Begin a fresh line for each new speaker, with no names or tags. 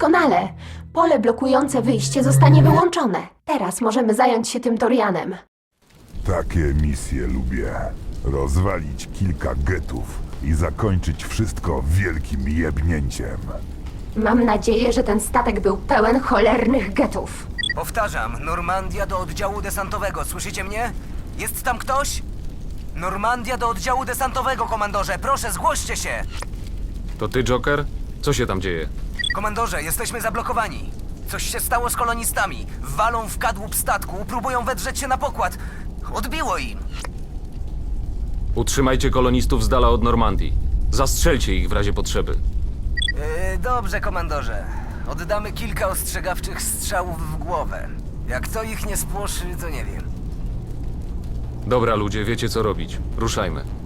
Doskonale. Pole blokujące wyjście zostanie wyłączone. Teraz możemy zająć się tym Torianem.
Takie misje lubię. Rozwalić kilka getów i zakończyć wszystko wielkim jebnięciem.
Mam nadzieję, że ten statek był pełen cholernych getów.
Powtarzam, Normandia do oddziału desantowego, słyszycie mnie? Jest tam ktoś? Normandia do oddziału desantowego, komandorze, proszę, zgłoście się!
To ty, Joker? Co się tam dzieje?
Komandorze, jesteśmy zablokowani. Coś się stało z kolonistami. Walą w kadłub statku, próbują wedrzeć się na pokład. Odbiło im.
Utrzymajcie kolonistów z dala od Normandii. Zastrzelcie ich w razie potrzeby.
Dobrze, komandorze. Oddamy kilka ostrzegawczych strzałów w głowę. Jak to ich nie spłoszy, to nie wiem.
Dobra, ludzie, wiecie co robić. Ruszajmy.